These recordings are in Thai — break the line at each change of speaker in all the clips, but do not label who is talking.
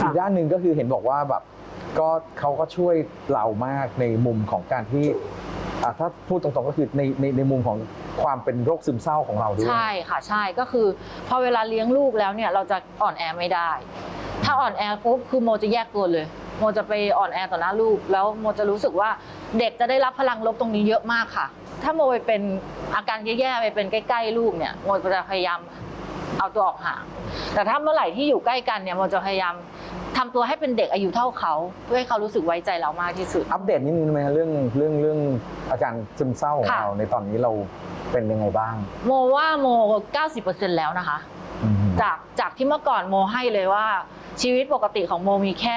อีกด้านหนึ่งก็คือเห็นบอกว่าแบบก็เขาก็ช่วยเรามากในมุมของการที่ถ้าพูดตรงๆก็คือในมุมของความเป็นโรคซึมเศร้าของเราด้วย
ใช่ค่ะใช่ก็คือพอเวลาเลี้ยงลูกแล้วเนี่ยเราจะอ่อนแอไม่ได้ถ้าอ่อนแอปุ๊บคือโมจะแยกตัวเลยโมจะไปอ่อนแอต่อหน้าลูกแล้วโมจะรู้สึกว่าเด็กจะได้รับพลังลบตรงนี้เยอะมากค่ะถ้าโมไปเป็นอาการแย่ๆไปเป็นใกล้ๆลูกเนี่ยโมจะพยายามเอาตัวออกห่างแต่ถ้าเมื่อไหร่ที่อยู่ใกล้กันเนี่ยโมจะพยายามทำตัวให้เป็นเด็กอายุเท่าเขาเพื่อให้เขารู้สึกไว้ใจเรามากที่สุด
อัปเดตนิดนึงไหมเรื่องอาการซึมเศร้าของเราในตอนนี้เราเป็นยังไงบ้าง
โมว่าโม 90% แล้วนะคะจากที่เมื่อก่อนโมให้เลยว่าชีวิตปกติของโมมีแค่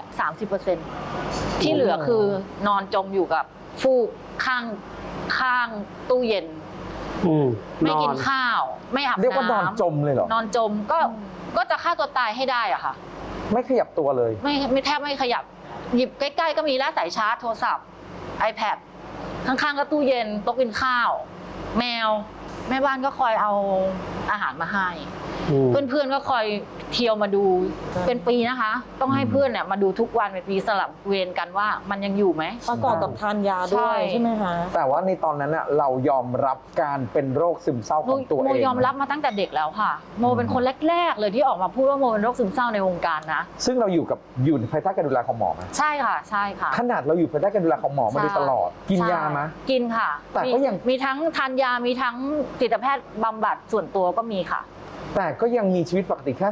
30%ที่เหลือคือนอนจมอยู่กับฟูกข้างตู้เย็นไม่กินข้าวไม่อาบน้ำ
เรียกว่านอนจมเลยเหรอน
อนจมก็จะฆ่าตัวตายให้ได้อะค่ะ
ไม่ขยับตัวเลย
ไม่แทบไม่ขยับหยิบใกล้ๆก็มีแล้วสายชาร์จโทรศัพท์ iPad ข้างๆก็ตู้เย็นโต๊ะกินข้าวแมวแม่บ้านก็คอยเอาอาหารมาให้เพื่อนๆก็คอยเที่ยวมาดูเป็นปีนะคะต้องให้เพื่อนเนี่ยมาดูทุกวันเป็นปีสลับเวรกันว่ามันยังอยู่ไหม
ประกอบกับทานยาด้วยใช่ไหมคะ
แต่ว่าในตอนนั้นเรายอมรับการเป็นโรคซึมเศร้าของตัวเอง
โมยอมรับมาตั้งแต่เด็กแล้วค่ะโมเป็นคนแรกๆเลยที่ออกมาพูดว่าโมเป็นโรคซึมเศร้าในวงการนะ
ซึ่งเราอยู่ภายใต้การดูแลของหมอไหม
ใช่ค่ะใช่ค่ะ
ขนาดเราอยู่ภายใต้การดูแลของหมอมาโดยตลอดกินยาไหม
กินค่ะ
แต่ก็ยัง
มีทั้งทานยามีทั้งจิตแพทย์บำบัดส่วนตัวก็มีค่ะ
แต่ก็ยังมีชีวิตปกติแค่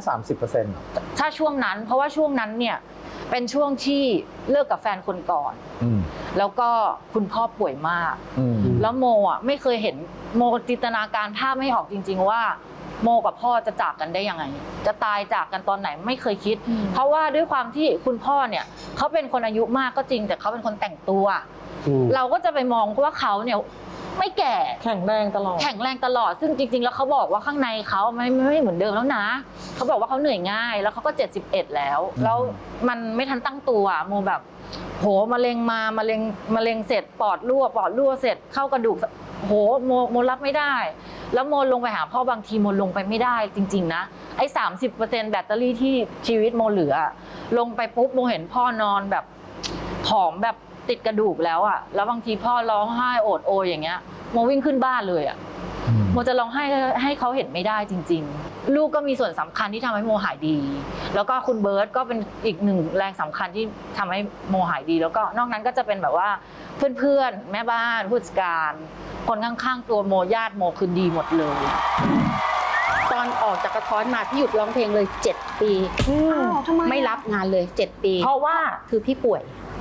30%
ถ้าช่วงนั้นเพราะว่าช่วงนั้นเนี่ยเป็นช่วงที่เลิกกับแฟนคนก่อนแล้วก็คุณพ่อป่วยมากแล้วโมอ่ะไม่เคยเห็นโมจินตนาการภาพไม่ออกจริงๆว่าโมกับพ่อจะจากกันได้ยังไงจะตายจากกันตอนไหนไม่เคยคิดเพราะว่าด้วยความที่คุณพ่อเนี่ยเขาเป็นคนอายุมากก็จริงแต่เขาเป็นคนแต่งตัวเราก็จะไปมองว่าเขาเนี่ยไม่แก่
แข็งแรงต
ลอดซึ่งจริงๆแล้วเขาบอกว่าข้างในเขาไม่เหมือนเดิมแล้วนะเขาบอกว่าเขาเหนื่อยง่ายแล้วเขาก็71แล้วมันทันตั้งตัวโมแบบโหมะเร็งเสร็จปอดรั่วเสร็จเข้ากระดูกโหโมรับไม่ได้แล้วโมลงไปหาพ่อบางทีโมลงไปไม่ได้จริงๆนะไอ้ 30% แบตเตอรี่ที่ชีวิตโมเหลือลงไปปุ๊บโมเห็นพ่อนอนแบบผอมแบบติดกระดูกแล้วอ่ะแล้วบางทีพ่อร้องไห้โอดโอยอย่างเงี้ยโมวิ่งขึ้นบ้านเลยอ่ะโมจะร้องไห้ให้เขาเห็นไม่ได้จริงๆลูกก็มีส่วนสำคัญที่ทำให้โมหายดีแล้วก็คุณเบิร์ตก็เป็นอีกหนึ่งแรงสำคัญที่ทำให้โมหายดีแล้วก็นอกนั้นก็จะเป็นแบบว่าเพื่อนๆแม่บ้านผู้จัดการคนข้างๆตัวโมญาติโมคือดีหมดเลย
ตอนออกจากกระท้อนมาพี่หยุดร้องเพลงเลย7 ปีไม่รับงานเลย7 ปี
เพราะว่า
คือพี่ป่วย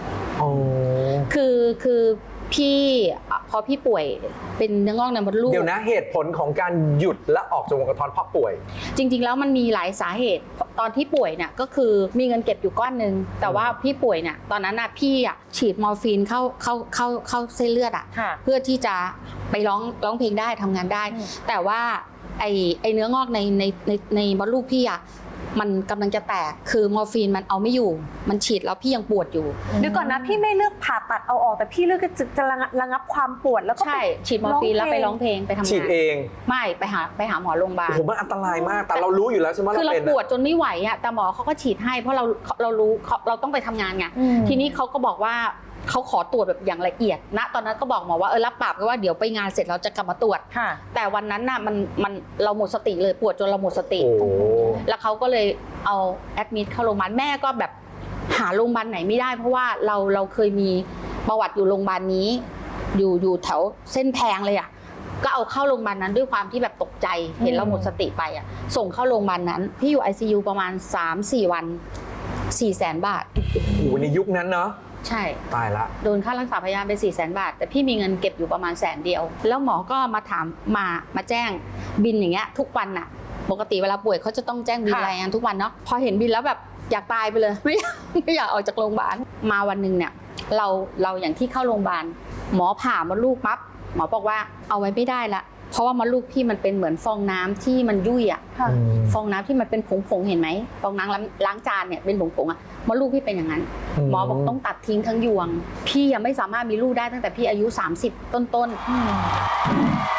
คือพี่พอพี่ป่วยเป็นเนื้องอกในมดลูก
เดี๋ยวนะเหตุผลของการหยุดและออกจากวงการเพราะป่วย
จริงๆแล้วมันมีหลายสาเหตุตอนที่ป่วยเนี่ยก็คือมีเงินเก็บอยู่ก้อนนึงแต่ว่าพี่ป่วยเนี่ยตอนนั้นน่ะพี่ฉีดมอร์ฟีนเข้าเส้นเลือดเพื่อที่จะไปร้องเพลงได้ทำงานได้แต่ว่าไอเนื้องอกในมดลูกพี่มันกำลังจะแตกคือมอร์ฟีนมันเอาไม่อยู่มันฉีดแล้วพี่ยังปวดอยู่
เดี๋ยวก่อนนะพี่ไม่เลือกผ่าตัดเอาออกแต่พี่เลือกจะระงับความปวดแล้วก็
ใช่ฉีดมอร์ฟีนแล้วไปร้องเพลงไปทำงาน
ฉีดเอง
ไม่ไปหาหมอโรงพยาบาล
ผมมันอันตรายมากแต่เรารู้อยู่แล้วใช่ไหม
คือเราปวดจนไม่ไหวอ่ะแต่หมอเขาก็ฉีดให้เพราะเรารู้เราต้องไปทำงานไงทีนี้เขาก็บอกว่าเขาขอตรวจแบบอย่างละเอียดนะตอนนั้นก็บอกหมอว่ารับปากว่าเดี๋ยวไปงานเสร็จเราจะกลับมาตรวจแต่วันนั้นน่ะมันเราหมดสติเลยปวดจนเราหมดสติแล้วเขาก็เลยเอาแอดมิดเข้าโรงพยาบาลแม่ก็แบบหาโรงพยาบาลไหนไม่ได้เพราะว่าเราเคยมีประวัติอยู่โรงพยาบาลนี้อยู่แถวเส้นแพงเลยอ่ะก็เอาเข้าโรงพยาบาลนั้นด้วยความที่แบบตกใจเห็นเราหมดสติไปอ่ะส่งเข้าโรงพยาบาลนั้นพี่อยู่ ICU ประมาณ 3-4 วัน 400,000 บาท
โอ้โหในยุคนั้นเนาะ
ใช่
ตายละ
โดนค่ารักษาพยาบาลไป 400,000 บาทแต่พี่มีเงินเก็บอยู่ประมาณ100,000 เดียวแล้วหมอก็มาถามมาแจ้งบินอย่างเงี้ยทุกวันน่ะปกติเวลาป่วยเขาจะต้องแจ้งบินรายงานทุกวันเนาะพอเห็นบินแล้วแบบอยากตายไปเลยไม่อยากออกจากโรงพยาบาลมาวันนึงเนี่ยเราอย่างที่เข้าโรงพยาบาลหมอผ่ามดลูกปั๊บหมอบอกว่าเอาไว้ไม่ได้ละเพราะว่ามดลูกพี่มันเป็นเหมือนฟองน้ำที่มันยุ่ยอ่ะฟองน้ำที่มันเป็นผงเห็นไหมฟองน้ำล้างจานเนี่ยเป็นผงอ่ะมดลูกพี่เป็นอย่างนั้นหมอบอกต้องตัดทิ้งทั้งยวงพี่ยังไม่สามารถมีลูกได้ตั้งแต่พี่อายุ30ต้น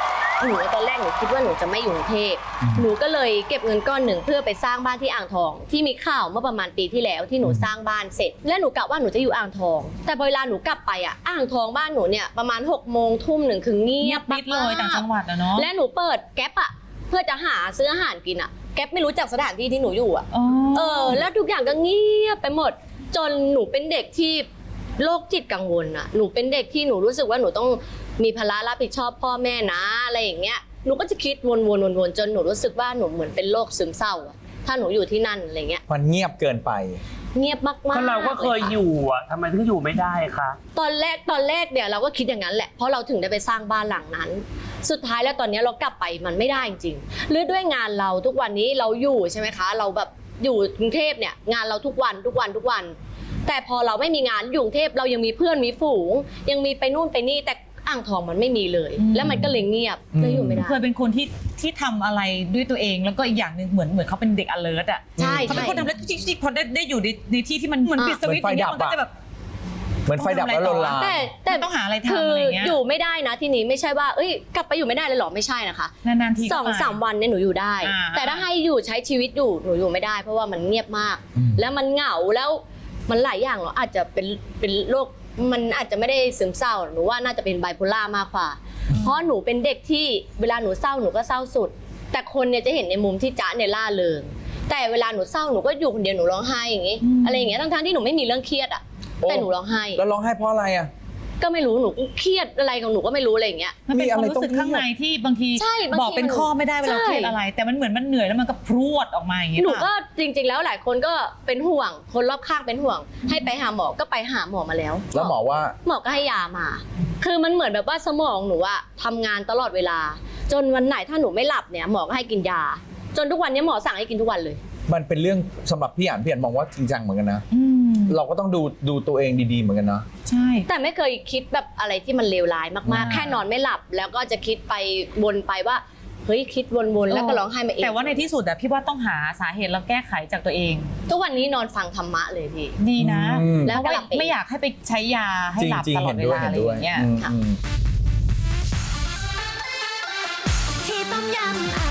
หนูตอนแรกหนูคิดว่าหนูจะไม่อยู่กรุงเทพหนูก็เลยเก็บเงินก้อนหนึ่งเพื่อไปสร้างบ้านที่อ่างทองที่มีข่าวเมื่อประมาณปีที่แล้วที่หนูสร้างบ้านเสร็จ และหนูกะว่าหนูจะอยู่อ่างทอง แต่เวลาหนูกลับไปอ่างทองบ้านหนูเนี่ยประมาณ6 โมงทุ่มหนึ่งคือเงี
เงี
ย
ย
บบ
ปิดเลยต่างจังหวัดอะเนาะ
และหนูเปิดแก๊ปเพื่อจะหาซื้ออาหารกินแก๊ปไม่รู้จักสถานที่ที่หนูอยู่แล้วทุกอย่างก็เงียบไปหมดจนหนูเป็นเด็กที่โรคจิตกังวลหนูเป็นเด็กที่หนูรู้สึกว่าหนูต้องมีภาระรับผิดชอบพ่อแม่นะอะไรอย่างเงี้ยหนูก็จะคิดวนๆจนหนูรู้สึกว่าหนูเหมือนเป็นโรคซึมเศร้าถ้าหนูอยู่ที่นั่นอะไรเงี้ย
มันเงียบเกินไป
เงียบมากๆ
ก็เราก็เคยอยู่ทำไมถึงอยู่ไม่ได้คะ
ตอนแรกเนี่ยเราก็คิดอย่างนั้นแหละเพราะเราถึงได้ไปสร้างบ้านหลังนั้นสุดท้ายแล้วตอนนี้เรากลับไปมันไม่ได้จริงๆหรือด้วยงานเราทุกวันนี้เราอยู่ใช่ไหมคะเราแบบอยู่กรุงเทพเนี่ยงานเราทุกวันแต่พอเราไม่มีงานอยู่กรุงเทพเรายังมีเพื่อนมีฝูงยังมีไปนู่นไปนี่แต่อ่างทองมันไม่มีเลย แล้วมันก็เลยเงียบเลยอยู่ไม่ได้
เคยเป็นคนที่ทำอะไรด้วยตัวเองแล้วก็อีกอย่างหนึ่งเหมือนเขาเป็นเด็ก alert อ่ะ
ใช่
เขาเป็นคนทำแล้วจิ๊กพอได้อยู่ในที่ที่มันเหมือนปิดสวิตช์อย่างเงี้ยมันก็จะแบบ
เหมือนไฟดับแล้วลนลาน
แต่
ต้องหาอะไรทำ
คือ
อะไรเงี้ย
อยู่ไม่ได้นะที่นี้ไม่ใช่ว่าเอ้ยกลับไปอยู่ไม่ได้เลยหรอไม่ใช่นะคะ
นานๆทีก็ไป
2-3 วันเนี่ยหนูอยู่ได้ แต่ถ้าให้อยู่ใช้ชีวิตอยู่หนูอยู่ไม่ได้ เพราะว่ามันเงียบมาก แล้วมันเหงาแล้วมันหลายอย่างเนาะอาจจะเป็นโรคมันอาจจะไม่ได้ซึมเศร้าหนูว่าน่าจะเป็นไบโพล่ามากกว่าเพราะหนูเป็นเด็กที่เวลาหนูเศร้าหนูก็เศร้าสุด แต่คนเนี่ยจะเห็นในมุมที่จ๊ะเนี่ยล่าเริงแต่เวลาหนูเศร้าหนูก็อยู่คนเดียวหนูร้องไห้อย่างงี้อะไรอย่างเงี้ยทั้งๆที่หนูไม่มีเรื่องเครียดแต่หนูร้องไห้
แล้วร้องไห้เพราะอะไร
ก็ไม่รู้หนูเครียดอะไรของหนูก็ไม่รู้อะไรอย่างเงี้ย
มันเป็นความรู้สึกข้างในที่บางที
ใช่บางที
บอกเป็นข้อไม่ได้เวลาเครียดอะไร แต่มันเหมือนมันเหนื่อยแล้วมันก็พรวดออกมาอย่างเงี้ย
หนูก็จริงๆแล้วหลายคนก็เป็นห่วงคนรอบข้างเป็นห่วงให้ไปหาหมอก็ไปหาหมอมาแล้ว
แล้วหมอว่า
หมอก็ให้ยามา คือมันเหมือนแบบว่าสมองหนูทำงานตลอดเวลา จนวันไหนถ้าหนูไม่หลับเนี่ยหมอก็ให้กินยา จนทุกวันนี้หมอสั่งให้กินทุกวันเลย
มันเป็นเรื่องสำหรับพี่อ่านมองว่าจริงจังเหมือนกันนะเราก็ต้องดูตัวเองดีๆเหมือนกันนะ
ใช่
แต่ไม่เคยคิดแบบอะไรที่มันเลวร้ายมากๆแค่นอนไม่หลับแล้วก็จะคิดไปวนไปว่าเฮ้ยคิดวนๆแล้วก็ร้องไห้มาเอง
แต่ว่าในที่สุดพี่ว่าต้องหาสาเหตุแล้วแก้ไขจากตัวเอง
ทุกวันนี้นอนฟังธรรมะเลยพี่
ดีนะ
แล้ว
เพราะ
ก็
ว่า
หลับเอง
ไม่อยากให้ไปใช้ยาให้หลับ
จริง
ตลอด
ๆ
เวลาอะไรอย่างเงี้ย
อืม
ที่ต้มยำ